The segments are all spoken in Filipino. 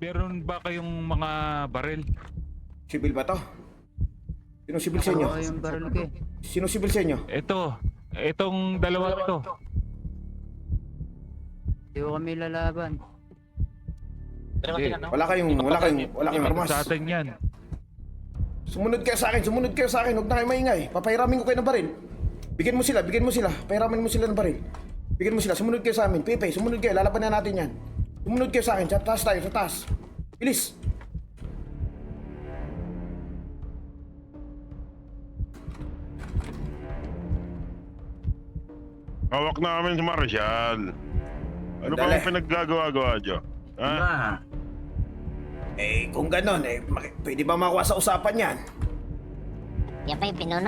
meron ba kayong mga baril? Sibil ba to? Sino sibil sa inyo? Oo, yung baril ko eh. Sino sibil sa inyo? Itong dalawa to. Hindi ko kami lalaban. Hindi. Wala kayong armas. Sa atin yan. Sumunod kayo sa akin. Huwag na kayo maingay. Papahiramin ko kayo ng baril. Bigyan mo sila. Pahiramin mo sila ng baril. Bigyan mo sila. Sumunod kayo sa amin. Pepe, sumunod kayo. Lalaban na natin yan. Sumunod kayo sa akin. Sa taas tayo, sa taas. Bilis. Hawak namin si Marshall. Ano pa Dali. ang pinaggagawa-gawa dyan? Ha? Kung ganon, pwede ba makuha sa usapan yan? Yan pa yung pinuno.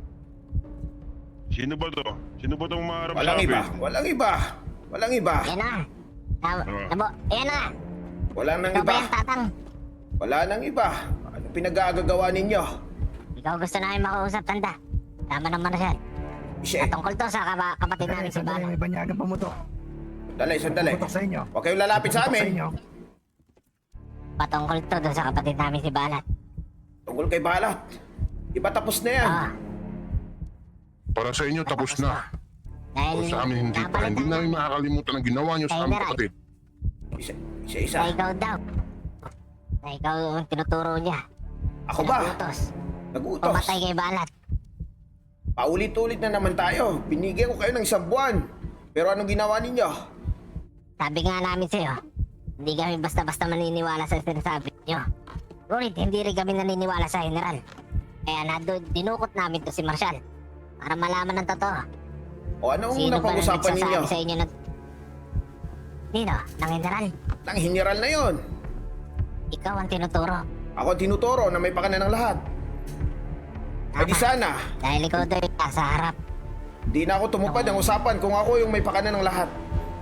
Sino ba to? Sino ba itong maharap sa Walang akin? iba. Walang iba. Yan na. Nabo, yan na. Wala nang Ikaw ba iba. yan, tatang? Wala nang iba. Ano pinag-aagagawa ninyo? Ikaw gusto namin makausap, tanda. Tama naman na siya. Ishe, Patungkol to sa kapatid namin si Bala. May banyagan pamutok. sandali. Putok sa inyo. Huwag kayong lalapit sa Putok amin. inyo. Patungkol to doon sa kapatid namin si Balat. Tungkol kay Balat. Di ba tapos na yan? Oo. Para sa inyo tapos na. Dahil O sa amin hindi pa. Hindi namin makakalimutan ang ginawa nyo sa aming kapatid. Isa. Na ikaw daw. Na ikaw ang tinuturo niya. Ako ba? Nagutos. Nagutos. Pumatay kay Balat. Paulit-ulit na naman tayo. Binigyan ko kayo ng 1 buwan. Pero anong ginawa ninyo? Sabi nga namin sa'yo, hindi kami basta-basta maniniwala sa sinasabi niyo. Ngunit hindi rin kami naniniwala sa general. Kaya dinukot namin to si Marshall. Para malaman ng totoo. O anong Sino ba na napag-usapan ninyo? nagsasabi sa inyo na... Nino, ng general. Nang hiniral na yon. Ikaw ang tinuturo. Ako ang tinuturo na may pakana ng lahat. Ay di sana, Dahil ikaw doon sa harap. di na ako tumupad ng usapan kung ako yung may pakana ng lahat.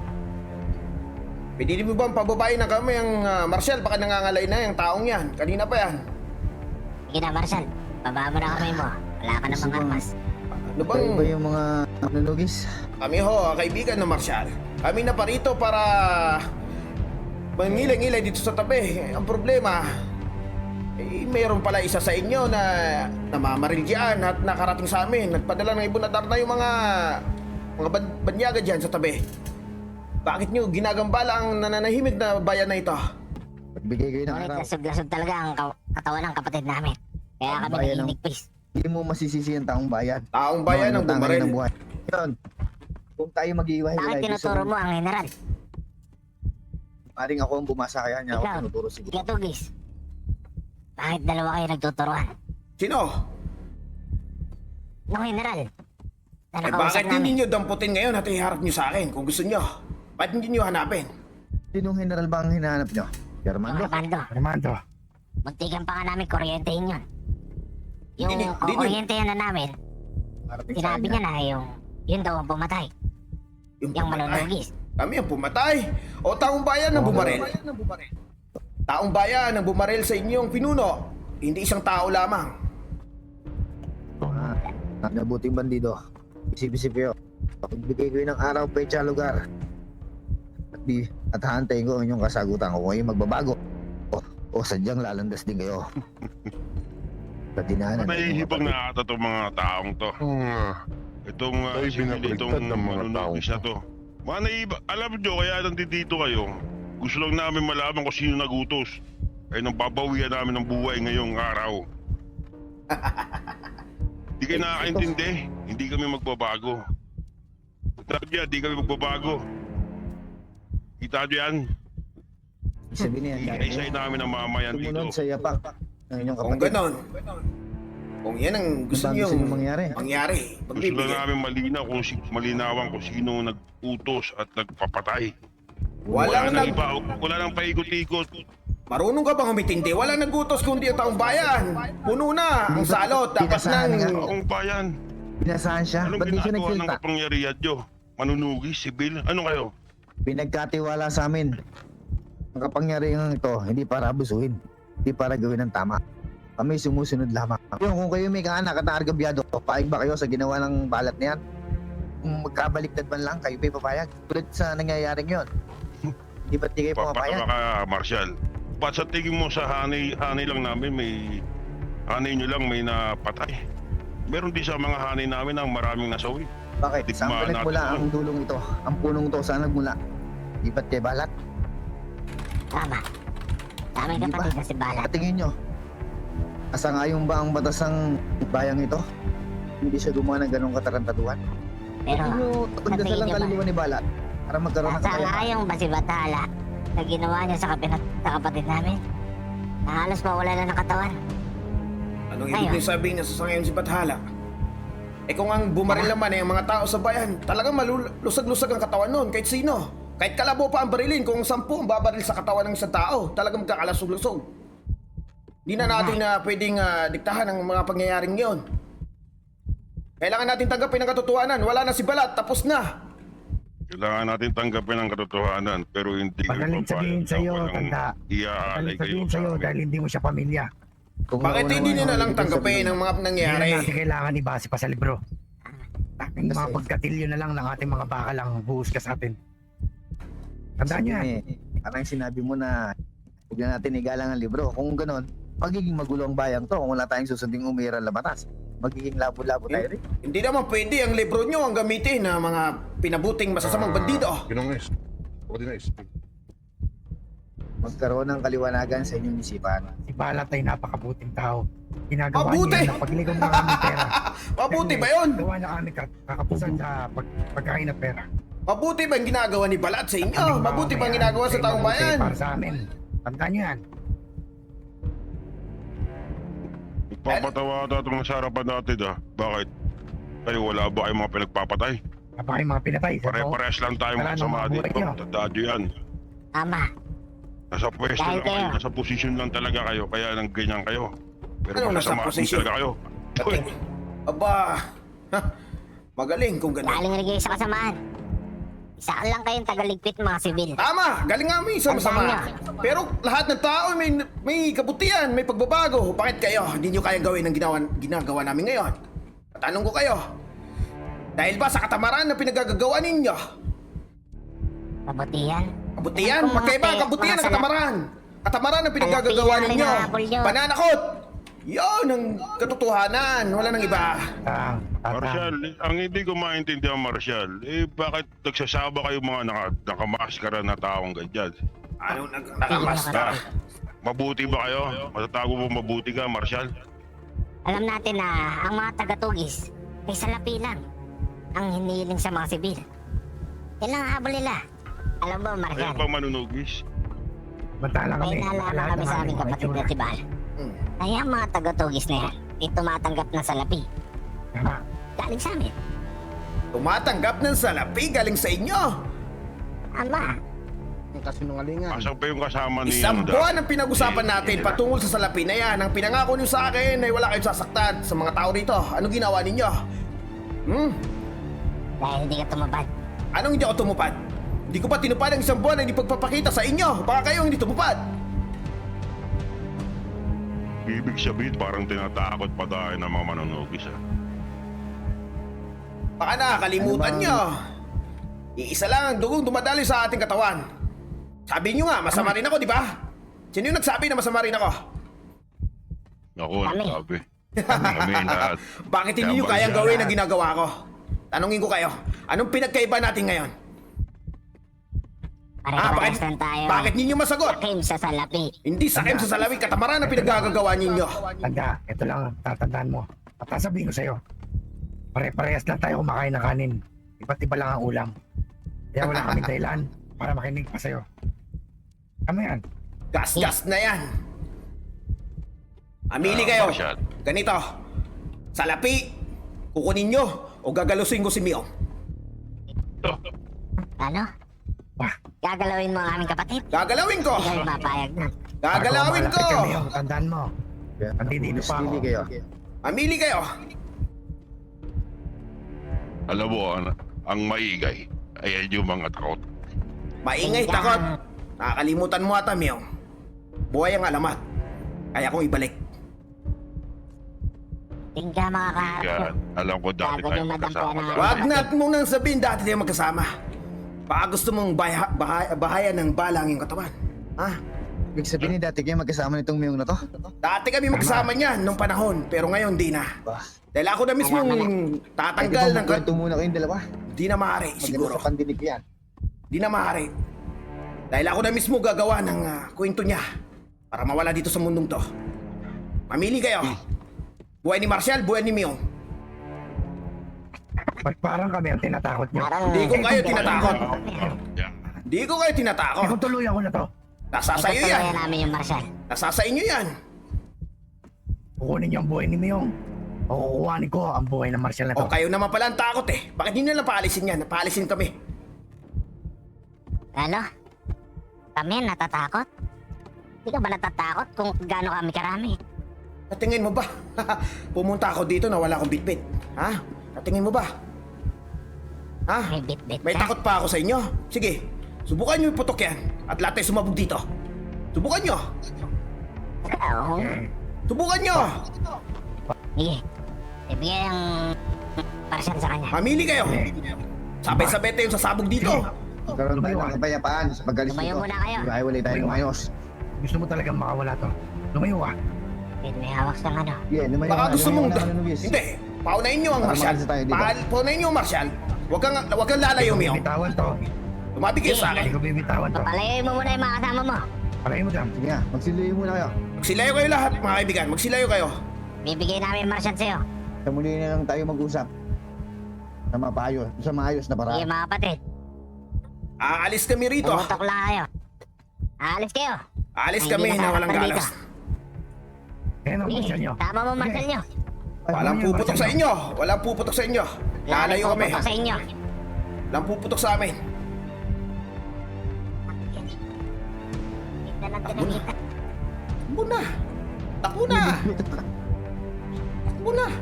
Pwede mo ba pababain na kami ang Marshall? Baka nangangalay na yung taong yan. Kanina pa yan. Sige na, Marshall. Baba mo na kamay mo. Wala ka namang armas. Ano bang... Kayo ba yung mga nanugis? Kami ho, kaibigan ng Marshall. Kami na parito para mangilay-ngilay dito sa tabi. Ang problema, mayroon pala isa sa inyo na namamaril dyan at nakarating sa amin. Nagpadala ng ibunadar na yung mga banyaga dyan sa tabi. Bakit nyo ginagambala ang nananahimik na bayan na ito? Pagbigay kayo ng Ngunit araw. lasog-lasog talaga ang katawan ng kapatid namin. Kaya Ang kami bayan ng- naninigpis. Hindi mo masisisi ang taong bayan. Taong bayan ang Tangay bumaril. ng buhay. Yun. Kung tayo mag-iiwahiwalay, Bakit tinuturo mo ang general? Paring ako ang bumasa kaya niya ako Ikaw. tinuturo siguro. Gatugis. Bakit dalawa kayo nagtuturuan? Sino? Nung general. Na Ay nakausap bakit namin. hindi nyo damputin ngayon at iharap nyo sa akin kung gusto nyo? Bakit hindi nyo hanapin? Sinong general ba ang hinahanap niyo? Armando? Armando. Armando. Muntikan pa nga namin kuryentehin yun. Yung Hindi, hindi, hindi. kuryentehin na namin, Parating sa sinabi kanya. niya na yun daw ang pumatay. Yung pumatay. manunugis. Kami ang pumatay. O taong bayan ang bumaril. Taong bayan ang bumaril sa inyong pinuno. Hindi isang tao lamang. Nabuting bandido. Isip-isip kayo. Pagbigay ko ng araw, pecha, lugar. At hahantayin ko ang inyong kasagutan kung kayo magbabago. O sadyang lalandas din kayo. Sa dinanan. Nahihibang na ata itong mga taong to. Itong Tayo pinabaliktad ng mga taong siya to. Mga naiba, alam nyo kaya nandito kayo. Gusto lang namin malaman kung sino nagutos. Ay nang babawian namin ng buhay ngayong araw. Hindi kayo nakakaintindi. Hindi kami magbabago. Sabi niya, di kami magbabago. Kita nyo yan? Sabi niya, Isa-isay namin ang mamayan sumunod dito. sa yapak ng inyong Kung kapatid. ganon, kung yan ang gusto Ang nyo gusto nyo mangyari. Gusto lang magbibigay. namin malinawan kung sino nag-utos at nagpapatay. Walang nang nag... iba, wala nang paikot-ikot. Marunong ka bang umitindi? Wala nagutos kundi ang taong bayan. Puno na ang salot. Dapat Pinasahan nga. nang... Taong bayan, Pinasahan siya. anong Ba't di siya ginagawa ng nagsilta? kapangyarihan nyo? Manunugis, sibil, ano kayo? Pinagkatiwala sa amin. Ang kapangyarihan ito, hindi para abusuhin. Hindi para gawin ng tama. Kami sumusunod lamang. Kung kayo may kaanak at naargabyado, paig ba kayo sa ginawa ng balat na yan? Kung magkabaliktad man lang, kayo pa papayag. Tulad sa nangyayaring yon. Di ba't di kayo Papatama pumapayag? ka, Marshal. pa sa tingin mo sa hanay lang namin hanay nyo lang may napatay. Meron din sa mga hanay namin ang maraming nasawi. Bakit? Saan Digmaan ba nagmula natin ang dulong ito? Ang punong ito, saan nagmula? Di ba't kay Balat? Tama. Sa aming Hindi ba? kapatid na si Balat. Katingin nyo, asangayon ba ang batas ng bayang ito? Hindi siya gumawa ng ganong katarantaduhan. Pero, Hindi nyo sa pagdasal tingin ang nyo ba? kaluluwa ni Balat para magkaroon ng Nasa kakayahan. ngayong ba si Bathala na ginawa niya sa kapatid namin? Na halos mawala na ng katawan. Anong Ayun. ibig sabihin niya sa sangayon si Bathala? Eh kung ang bumaril naman ay ang mga tao sa bayan, talagang malulusag-lusag ang katawan nun kahit sino. Kahit kalabo pa ang barilin, kung 10 ang babaril sa katawan ng isang tao, talagang magkakalasog-lusog. Di na natin na pwedeng diktahan ang mga pangyayaring yon. Kailangan natin tanggapin ang katotohanan. Wala na si Balat, tapos na. Kailangan natin tanggapin ang katotohanan pero hindi Magaling sabihin sa'yo, tanda. Iaalay Magaling kayo sabihin sa sa'yo amin. dahil hindi mo siya pamilya. Kung Bakit naunawa hindi nyo nyo na lang ibig tanggapin sabihin, ang mga Hindi nangyari? na natin kailangan ibase pa sa libro. Ating mga Kasi- pagkatilyo na lang ng ating mga bakal ang buhos ka sa atin. Tandaan nyo yan. Parang sinabi mo na huwag na natin igalang ang libro. Kung ganon, magiging magulo ang bayang to kung wala tayong susunding umiral na batas. Magiging labo-labo tayo rin. Hindi naman pwede ang libro nyo ang gamitin na mga pinabuting masasamang bandido. Ginongis. Ordinais. Magkaroon ng kaliwanagan sa inyong isipan. Si Balat ay napakabuting tao. Ginagawa Mabuti! niya na pagligom ng aming pera. Mabuti ba yun? Gawa niya kami kakapusan sa pagkain ng pera. Mabuti ba ang ginagawa ni Balat sa inyo? Aming mga Mabuti ba ang bayan ginagawa sa ay taong mabuti bayan? Para sa amin. Tandaan nyo yan. Papatawa ata itong nasa harapan natin Bakit? Kayo wala ba kayong mga pinagpapatay? Kapag yung mga pinatay. Pare-parehas lang tayong Wala masama namang buhay dito. nyo. Tandaan nyo yan. Tama. Nasa pwesto Dahil lang kayo. kayo. Nasa posisyon lang talaga kayo. Kaya nang ganyan kayo. Pero Anong nasa masama din posisyon? talaga kayo. Uy, Aba, ha, magaling kung ganun. Galing rin kayo sa kasamaan. Isa lang kayong tagaligpit mga sibil. Tama, galing nga may isang masama. Pero lahat ng tao may kabutihan, may pagbabago. Bakit kayo? Hindi nyo kayang gawin ang ginagawa namin ngayon. Tatanong ko kayo. Dahil ba sa katamaran na pinagagagawa ninyo? Kabutihan. Kabutihan? Kung mga Magkaiba ang pe- kabutihan mga ng sala- katamaran. Katamaran ang pinagagagawa Ang ninyo. pinahinabol nyo. Pananakot! Yon ang katotohanan. Wala nang iba. Marshal, ang hindi ko maintindihan, Marshal, bakit nagsasaba kayo mga nakamaskara na taong ganyan? Anong nakamasta? Mabuti ba kayo? Matatago mo mabuti ka, Marshal? Alam natin na ang mga taga-tugis ay salapi lang ang hinihiling sa mga sibil. Yan lang ang habol nila. Alam mo, Ayun Marjan, pang manunugis. Bantala may kami. nalaman Lahat kami ng sa aming aming mga kapatid na itsura. si Bal. Hmm. Kaya ang mga taga-tugis na yan ay tumatanggap ng salapi. Tama. Galing sa amin. Tumatanggap ng salapi galing sa inyo. Ama, Asan pa yung kasama ni Isang buwan ang pinag-usapan natin patungkol sa salapi na yan. Ang pinangako niyo sa akin ay wala kayong sasaktan sa mga tao rito. Anong ginawa ninyo? dahil hindi ka tumabad. Anong hindi ako tumupad? Hindi ko pa tinupad ang isang buwan na hindi pagpapakita sa inyo. Baka kayo hindi tumupad. Ibig sabihin parang tinatakot pa tayo ng mga manunugis. Baka nakakalimutan Ano nyo. Iisa lang ang dugong dumadali sa ating katawan. Sabi nyo nga, masama rin ako, di ba? Sino yung nagsabi na masama rin ako? Ako, Kami. nagsabi. Kami lahat. Bakit hindi nyo Kaya kayang Marshal, gawin ang ginagawa ko? Tanungin ko kayo, anong pinagkaiba natin ngayon? Pare-parehas lang tayo. bakit ninyo masagot? Sakim sa salapi. Hindi sakim sa salawi, katamaran ang pinagagagawa ninyo. Tanda, ito lang ang tatandaan mo. At sasabihin ko sa'yo, pare-parehas lang tayo kumakain ng kanin. Iba't iba lang ang ulam. Kaya wala kaming dahilan para makinig pa sa'yo. Tama yan. Gas-gas na yan. Amili kayo. Marshal. Ganito. Salapi, kukunin nyo o gagalusin ko si Mio. Ano? Wah. Gagalawin mo ang aming kapatid? Gagalawin ko. Hindi kami mapayag na. Gagalawin ko. Malapit kami yung tandaan mo. Nandito pa ako. Hindi kayo. Amili kayo. Alam mo, ang maingay ay yung mga takot. Maingay, takot. Nakakalimutan mo ata, Mio. Buhay ang alamat. Kaya kong ibalik. Hindi ka makakaharap Kaya mo. alam ko dati Gago tayo yung madam magkasama. ko na- Wag na mong nang sabihin dati tayo magkasama. Baka gusto mong bahayan ng bala ang iyong katawan. Ha? Ibig sabihin, dati kayo magkasama nitong Miyong na to? Dati kami magkasama niyan nung panahon, pero ngayon di na. Bah, Dahil ako na mismong tatanggal ng... kwento muna kayong dalawa. Di na maaari, Maganda siguro. sa pandinig yan. Di na maaari. Dahil ako na mismo gagawa ng kwento niya para mawala dito sa mundong to. Mamili kayo. Buhay ni Marshall, buhay ni Miyong. Ba't parang kami ang tinatakot nyo? Parang... Di ko kayo tinatakot. Yeah. Di ko kayo tinatakot. Ikaw tuluyan ko na to. Nasa sa iyo yan. Itutuloyan namin yung Marshal. Nasa sa inyo yan. Kukunin niyo ang buhay ni Miyong. O kukuhanin ko ang buhay ng Marshal na to. O kayo naman pala ang takot eh. Bakit hindi na lang paalisin yan? Paalisin kami. Ano? Kami natatakot? Hindi ka ba natatakot kung gaano kami karami? Natingin mo ba? Pumunta ako dito na wala akong bitbit. Ha? Natingin mo ba? Ha? May bit-bit May ka? takot pa ako sa inyo? Sige, subukan nyo iputok yan at lahat tayo sumabog dito. Subukan nyo! Oo. Subukan nyo! Sige. Ibigay ang Marshal sa kanya. Mamili kayo! Sabay-sabay tayo sasabog dito. Magkaroon tayo ng kapayapaan sa paggalis Lumayo dito. muna kayo. Iwalay tayo ng ayos. Gusto mo talagang makawala to. Lumayo ka. May hawak sa ano. Yeah, lumayo Baka ka, gusto lumayo mong... ka na, Luis. Hindi, paunahin nyo ang Baka Marshal. umalis tayo dito. Paunahin nyo ang Marshal. Huwag kang lalayo, Ikaw Mio. bibitawan to. Tumabi kayo sa Hindi akin. ko bibitawan to. Papalayoy mo muna yung mga kasama mo. Palayin mo dyan. Sige nga, magsiluyo muna kayo. Magsilayo kayo lahat, mga kaibigan. Magsilayo kayo. Bibigay namin yung Marshal sa'yo. Sa muli na lang tayo mag-usap. Sa maayos na Sige paraan. mga kapatid. Aalis kami rito. Pumutok lang kayo. Aalis kayo. Aalis Ay, kami hindi na walang nasasaktan galas. Ayan ang Marshal nyo. Tama mo Marshal nyo. Walang puputok sa inyo. Walang puputok sa inyo. Lalayo kami. Puputok sa inyo. Walang puputok sa amin. Tignan lang tinamita. Takbo na. Takbo na. Takbo na.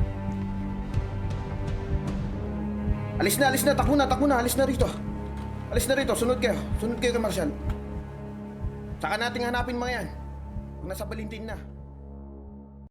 Alis na. Takbo na. Alis na rito. Alis na rito. Sunod kayo kay Marshall. Saka nating hanapin mga yan. Kung nasa Balintin na.